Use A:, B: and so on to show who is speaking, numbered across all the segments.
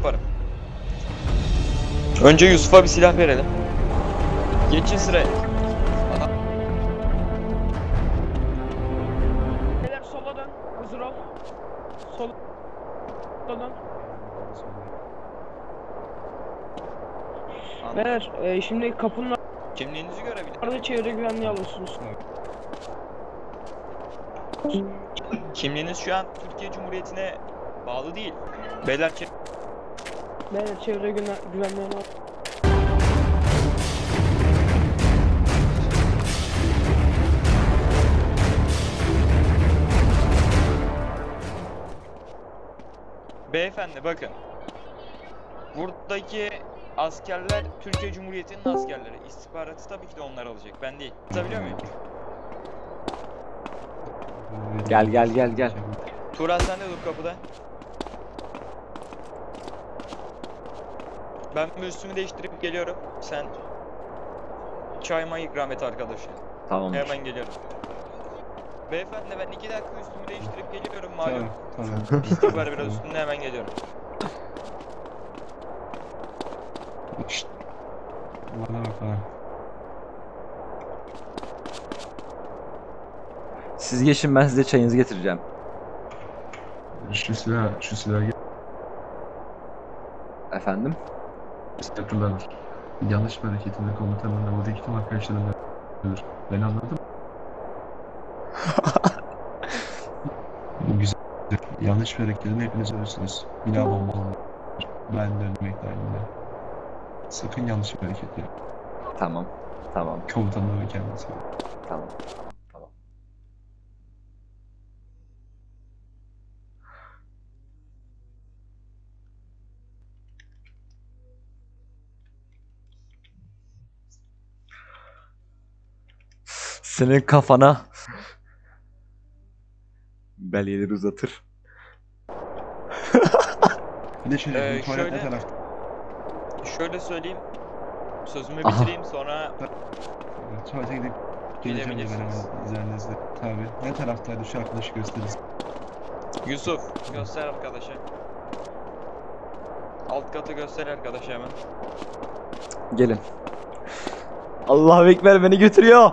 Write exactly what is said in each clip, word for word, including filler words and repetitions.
A: yaparım. Önce Yusuf'a bir silah verelim. Geçin sıraya. Aha.
B: Beyler sola dön. Hazır ol. Sola dön. Beyler e, şimdi kapının
A: Kimliğinizi görebilir.
B: arada çevre güvenliği alıyorsunuz.
A: Kimliğiniz şu an Türkiye Cumhuriyeti'ne bağlı değil. Beyler çek.
B: Beyler çevre güven güvenliğini al.
A: Beyefendi bakın. Buradaki askerler Türkiye Cumhuriyeti'nin askerleri. İstihbaratı tabii ki de onlar alacak. Ben değil. Anlatabiliyor muyum?
C: Gel gel gel gel.
A: Turan sen de dur kapıda. Ben bir üstümü değiştirip geliyorum. Sen çayma ikram et arkadaşa.
C: Tamam.
A: Hemen geliyorum. Beyefendi ben iki dakika üstümü değiştirip geliyorum malum.
D: Tamam, tamam.
A: Pislik var biraz üstünde, hemen geliyorum.
D: Şşt. Bana bak bana.
C: Siz geçin, ben size çayınızı getireceğim.
D: Şu silah, şu silah
C: Efendim?
D: yaptılar. Yanlış bir hareketinde komutanın oradaki tüm arkadaşlarım ölür. Ben anladım. Bu güzel. Yanlış bir hareketin hepiniz ölürsünüz. Bina bomba olmalı. Ben de ölmek dahilinde. Sakın yanlış bir hareket yap.
C: Tamam. Tamam.
D: Komutanın ve kendisi.
C: Tamam. Tamam. Senin kafana belgeleri uzatır.
D: Bir de şöyle,
A: Ee,
D: bu tuvalet
A: şöyle-
D: ne tarafta?
A: Şöyle söyleyeyim. Sözümü
C: Aha.
A: bitireyim sonra
D: Tuvalete gidip geleceğim de ben
A: Gidebilirsiniz.
D: hemen izninizle. Tabii. Ne taraftaydı şu arkadaşı gösteririz.
A: Yusuf göster arkadaşa. Alt katı göster arkadaşa hemen.
C: Gelin. Allahu Ekber, beni götürüyor.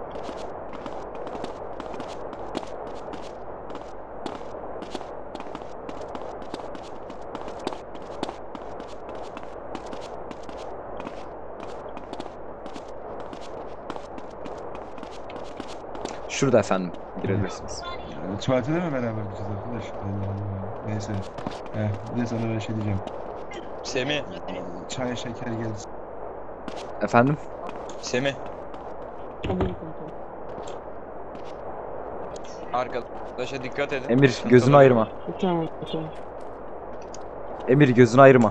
C: Şurada efendim, girebilirsiniz.
D: Yani tuvalete de mi beraber gideceğiz arkadaş? Allah Allah. Neyse. Heh, bir de sana ben şey diyeceğim.
A: Semih.
D: Çay şeker geldi.
C: Efendim?
A: Semih.
B: Buyurun komutanım.
A: Arkadaşa dikkat edin.
C: Emir,
A: Sıkıntı
C: gözünü
A: var.
C: ayırma.
B: Tamam tamam.
C: Emir, gözünü ayırma.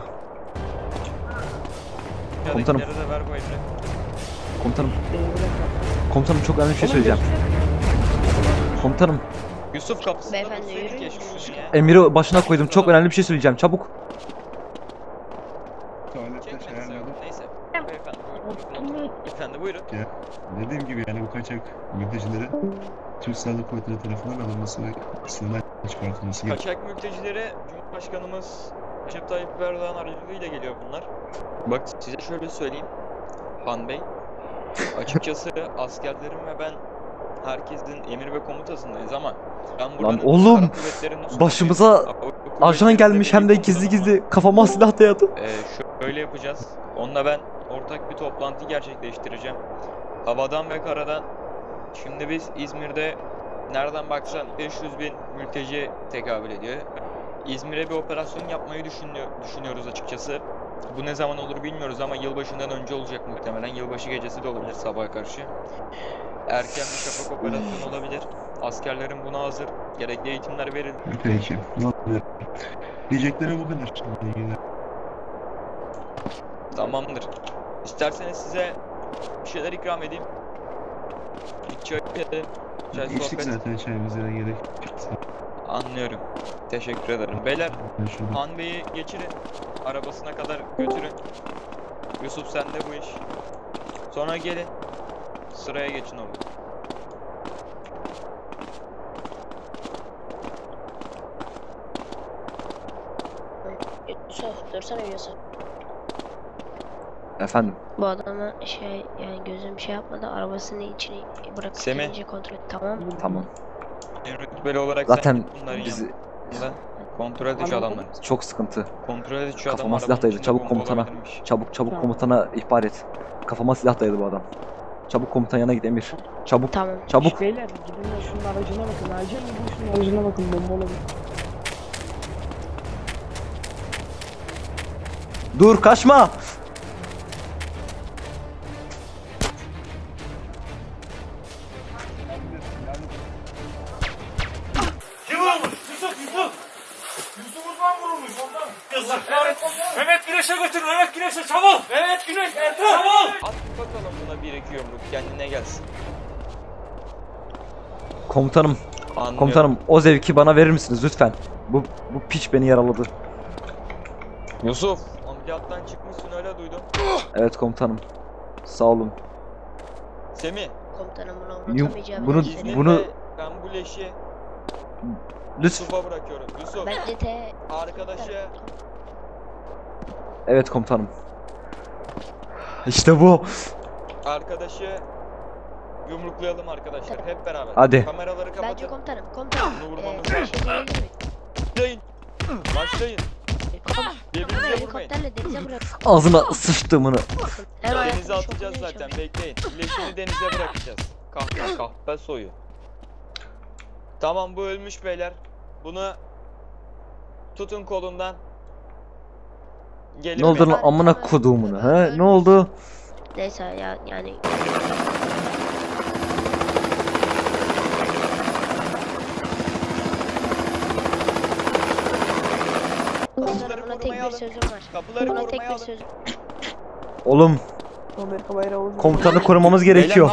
C: Komutanım.
A: Aşağıdakilere de ver bu emri.
C: Komutanım,
B: Ee, bir dakika.
C: komutanım çok önemli bir şey söyleyeceğim. Komutanım,
A: Yusuf kapısında
E: Beyefendi,
A: dursaydı
E: yürüyün.
A: keşke şunu ya.
C: Emir'i başına koydum. Çok önemli bir şey söyleyeceğim. Çabuk.
D: Tuvalette
A: Çekmedi
D: şey
A: sen.
D: ayarladım.
A: Neyse. Beyefendi buyurun. Beyefendi buyurun.
D: Ya, dediğim gibi yani bu kaçak mültecilerin Türk Silahlı Kuvvetleri tarafından alınması ve sınırdan çıkartılması gerekiyor.
A: Kaçak mültecilere Cumhurbaşkanımız Recep Tayyip Erdoğan aracılığıyla geliyor bunlar. Bak size şöyle söyleyeyim. Han Bey. Açıkçası askerlerim ve ben herkesin emir ve komutasındayız ama ben buranın
C: oğlum,
A: kara kuvvetlerinin
C: başımıza
A: subayıyım. Hava
C: Ajan
A: kuvvetlerinde
C: gelmiş, hem de
A: birlik
C: gizli
A: komutanım
C: gizli kafama silah dayadı.
A: var. Ee, şöyle yapacağız. Onunla ben ortak bir toplantı gerçekleştireceğim. Havadan ve karadan. Şimdi biz İzmir'de nereden baksan beş yüz bin mülteci tekabül ediyor. İzmir'e bir operasyon yapmayı düşünüyor, düşünüyoruz açıkçası. Bu ne zaman olur bilmiyoruz ama yılbaşından önce olacak muhtemelen. Yılbaşı gecesi de olabilir sabaha karşı. Erken bir şafak operasyonu olabilir. Askerlerin buna hazır. Gerekli eğitimler verildi.
D: Peki. Ne oluyor? Diyeceklerim bu kadar. Şimdi ilgili.
A: Tamamdır. İsterseniz size bir şeyler ikram edeyim. Bir çay edelim. Çay
D: İçtik
A: sohbet.
D: zaten çayımıza da gerek.
A: Anlıyorum. Teşekkür ederim. Beyler,
D: Şurada.
A: Han Bey'i geçirin. Arabasına kadar götürün. Yusuf sen de bu iş. Sonra gelin. Sıraya geçin orada.
E: Yusuf Dursana Yusuf.
C: Efendim.
E: Bu adama şey yani gözüm şey yapmadı, arabasını içine bırakıp
A: Semih.
E: gelince kontrol et, tamam mı?
C: Tamam.
A: Rütbeli olarak
C: Zaten
A: sen git bunların
C: bizi
A: yanında. Kontrol et şu adamları.
C: çok sıkıntı.
A: Kontrol et şu
C: Kafama
A: adamları.
C: silah dayadı. Çabuk komutana. Çabuk çabuk
B: Tamam.
C: komutana ihbar et. Kafama silah dayadı bu adam. Çabuk komutan yanına git Emir. Çabuk.
E: Tamam.
C: Çabuk.
B: Beyler gidin de şunun aracına bakın. Acil gidin şunun aracına bakın. Bomba olabilir.
C: Dur kaçma.
F: Kim vurmuş? Yusuf, Yusuf. Yusuf Uzman vurulmuş ondan. Yazık. Mehmet Güneş'e götür, Mehmet Güneş'e çabuk. Mehmet Güneş, Ertuğrul. Çabuk.
A: At bakalım buna bir iki yumruk kendine gelsin.
C: Komutanım.
A: Anlıyorum.
C: Komutanım o zevki bana verir misiniz lütfen? Bu bu piç beni yaraladı.
A: Yusuf ameliyattan çıkmışsın öyle duydum.
C: Evet komutanım. Sağ olun.
A: Semih
E: Komutanım bunu
C: Yum-
E: unutamayacağım.
C: bunu-
A: izninle
C: bunu-
A: ben bu leşi
C: Lütfen.
A: Yusuf'a bırakıyorum. Yusuf
E: Bence te...
A: arkadaşı
C: Evet komutanım. İşte bu.
A: arkadaşı yumruklayalım arkadaşlar hep beraber.
C: Hadi.
A: Kameraları
E: Bence
A: kapatın.
E: komutanım, komutanım.
A: Bunu
E: Ee,
A: vurmamız
E: bir
A: lazım.
E: şey söyleyebilir miyim?
A: Başlayın. Başlayın.
E: Komutanım,
A: Birbirinize vurmayın.
E: helikopterle denize bırak.
C: Ağzına sıçtığımını.
E: Hem
A: Denize
E: hayatını
A: atacağız
E: şoklamaya
A: zaten
E: çalışıyorum.
A: bekleyin. Leşini denize bırakacağız. Kahpe kahpe soyu. Tamam bu ölmüş beyler. Bunu tutun kolundan. Gelin
C: Ne oldu
A: beyler.
C: lan amına koduğumunu ha? Ne oldu?
E: Neyse ya yani... Komutanım buna tek
A: korumaya
E: bir
A: alın.
E: sözüm var.
A: Kapıları
E: Buna tek
A: korumaya
E: bir
A: alın.
E: sözüm.
C: Oğlum
B: Amerika bayrağı oldu.
C: komutanı korumamız gerekiyor.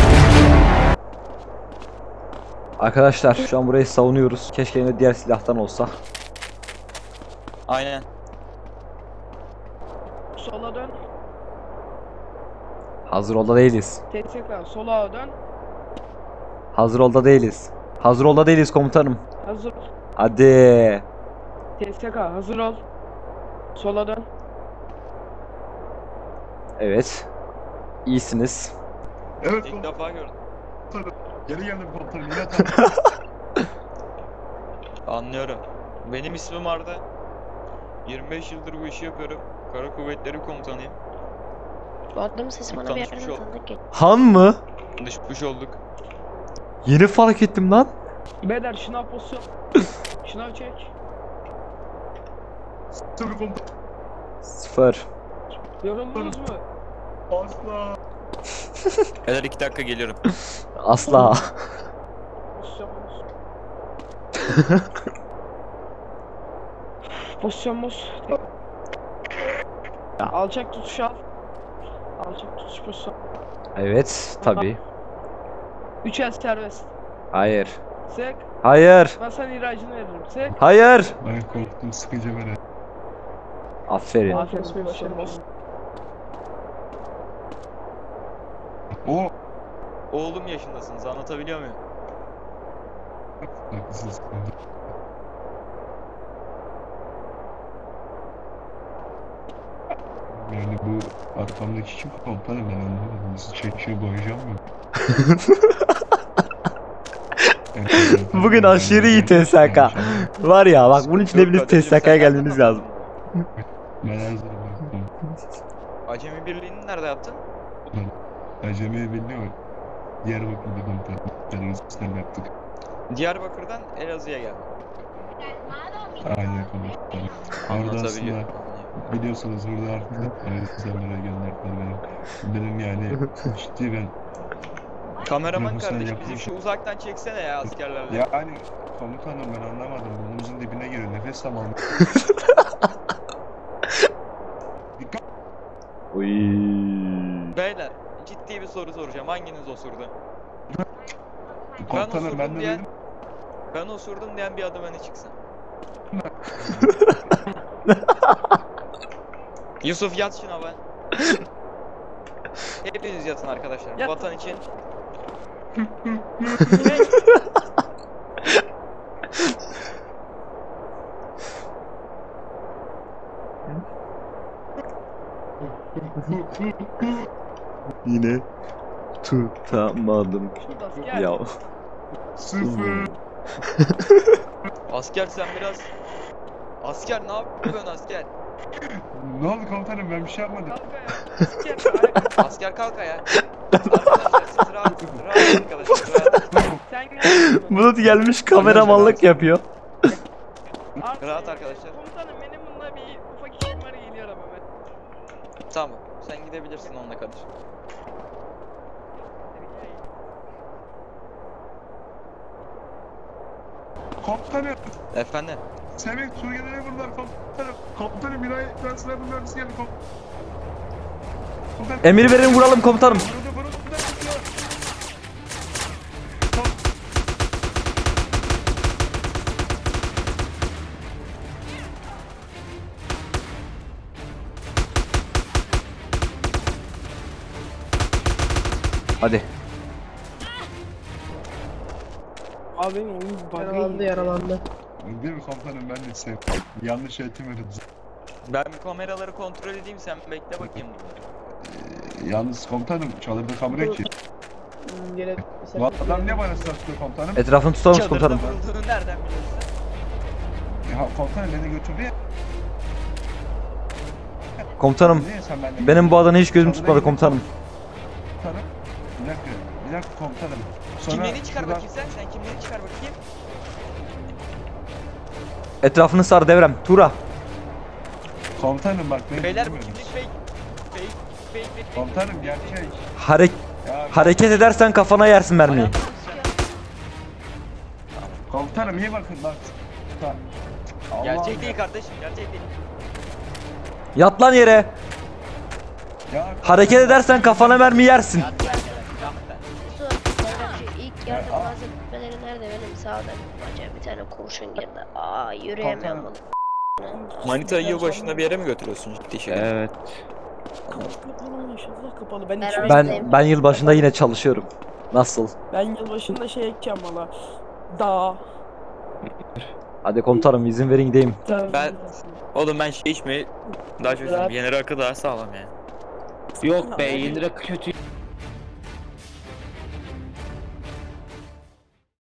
C: Arkadaşlar şu an burayı savunuyoruz. Keşke yine diğer silahtan olsa.
A: Aynen.
B: Sola dön.
C: Hazır olda değiliz.
B: Tekrar sola dön.
C: Hazır olda değiliz. Hazır olda değiliz komutanım.
B: Hazır.
C: Hadi.
B: T S K hazır ol. Sola dön.
C: Evet. İyisiniz.
D: Evet
A: İlk
D: komutanım.
A: defa gördüm.
D: Geri geldim komutanım. Yine tamam.
A: Anlıyorum. Benim ismim Arda. yirmi beş yıldır bu işi yapıyorum. Kara Kuvvetleri Komutanıyım.
E: Bu adamın sesi bana bir
A: Tanışmış
E: yerden
A: olduk.
E: tanıdık geliyor.
C: Han mı?
A: Düşmüş olduk.
C: Yeni fark ettim lan.
B: Beyler şınav pozisyon. Şınav çek.
D: Tabii komutanım.
C: Sıfır.
B: Yoruldunuz mu?
D: Asla.
A: Beyler iki dakika geliyorum.
C: Asla.
B: Pozisyon pozisyon. Pozisyon boz.
C: Ya.
B: Alçak tutuş al. Alçak tutuş pozisyon.
C: Evet tabi.
B: Üç el serbest.
C: Hayır.
B: Sek.
C: Hayır.
B: Ben sana iracını veririm. Sek.
C: Hayır.
D: Ben korktum sıkınca böyle.
C: Aferin.
B: Aferin başarılı olsun.
D: O.
A: Oğlum yaşındasınız anlatabiliyor muyum?
D: Haklısınız. Yani bu arkamdaki kim komutanım ben anlamadım. Bizi çekiyor boyayacağım mı?
C: Bugün aşırı iyi T S K. Var ya bak bunun için
A: Yok
C: hepiniz
A: kardeşim,
C: T S K'ya
A: sen
C: gelmeniz
A: nereden
C: lazım.
D: Ben her zaman komutanım.
A: Acemi Birliği'ni nerede yaptın?
D: Acemi biliyor mu? Diyarbakır'da komutanım. Teröristlerle yaptık.
A: Diyarbakır'dan Elazığ'a geldim.
D: Aynen komutanım. Orada aslında
A: Anlatabiliyor.
D: biliyorsunuz burada artık teröristlerle gönderdiler benim. Benim yani ciddi ben
A: Kameraman
D: Profesyonel
A: kardeş bizi
D: yapmış.
A: şu uzaktan çeksene ya askerlerle.
D: yani komutanım ben anlamadım. Burnumuzun dibine giriyor. Nefes zamanı. Dikkat.
C: Oy.
A: Beyler ciddi bir soru soracağım. Hanginiz osurdu?
D: Komutanım ben
A: osurdum
D: de
A: diyen-
D: dedim.
A: Ben osurdum diyen bir adım öne çıksın. Yusuf yat şuna be. Hepiniz yatın arkadaşlar.
B: Yat.
A: Vatan için.
C: yine tutamadım.
B: Asker.
C: Ya
D: Sıfır.
A: Asker sen biraz... Asker ne yapıyorsun asker?
D: Ne oldu komutanım, ben bir şey yapmadım.
B: Kalk ayağa. Asker ayağa.
A: Asker kalk ayağa. Arkadaşlar siz rahat, rahat arkadaşlar rahat.
B: Sen gel.
C: Bulut gelmiş kameramanlık yapıyor.
A: Rahat arkadaşlar.
B: Komutanım benim bununla bir ufak işim var, geliyorum hemen.
A: Tamam sen gidebilirsin onunla kadar.
D: Komutanım.
A: Efendim?
D: Semih Suriye'de bunlar komutanım. Komutanım binayı transfer mühendisi geldi komutanım. Komutanım.
C: Emir verin vuralım komutanım.
D: Vuruldu, vuruldu, vuruldu.
C: Hadi.
B: Abi benim oyun
E: Yaralandı
B: bug'ı
E: yaralandı.
D: Değil mi komutanım, ben de sevdim. Yanlış eğitim verildi.
A: Ben bir kameraları kontrol edeyim sen bekle bakayım.
D: Ee, yalnız komutanım çadırda kamera ki.
B: Gene
D: Bu adam ne bana sattı komutanım?
C: Etrafını tutalım
A: Çadırda
C: komutanım.
A: vurulduğunu nereden biliyorsun?
D: Ya komutanım beni götürdü ya.
C: Komutanım
D: Niye sen benimle?
C: benim bu adana hiç gözüm tutmadı komutanım.
D: Komutanım. Bir dakika, bir dakika komutanım. Sonra
A: Kimliğini çıkar
D: şuradan-
A: bakayım sen. Sen kimliğini çıkar bakayım.
C: Etrafını sar devrem. Tura.
D: Komutanım bak beni
A: Beyler bu
D: dinlemiyorsunuz.
A: kimlik fake. Fake, fake, fake.
D: Komutanım gerçek.
C: Hare
D: Ya
C: hareket edersen kafana yersin mermiyi.
A: Ayağını sıkıyor.
D: komutanım iyi bakın bak. Ta- Allah'ım
A: Gerçek
D: ya.
A: değil kardeşim, gerçek değil.
C: Yat lan yere.
D: Ya,
C: Hareket edersen kafana mermi yersin.
A: Yat yat yat. Yat lan.
E: Su, devrim şu ilk yardım
D: Ya, aa.
E: malzemeleri nerede benim sağdan bacağa bir tane kurşun girdi. Aa yürüyemiyorum bunu.
A: Manita'yı yılbaşında bir yere mi götürüyorsun ciddi şey?
C: Evet.
B: kapalı inşallah kapalı. Ben
E: Beraber-
C: Ben ben yıl başında yine çalışıyorum. Nasıl?
B: ben yılbaşında şey ekeceğim valla. Dağ.
C: Hadi komutanım izin verin gideyim.
A: Ben- Oğlum ben şey içmeyi daha çok seviyorum. Yeni rakı daha sağlam yani.
G: Yok be, yeni rakı kötü.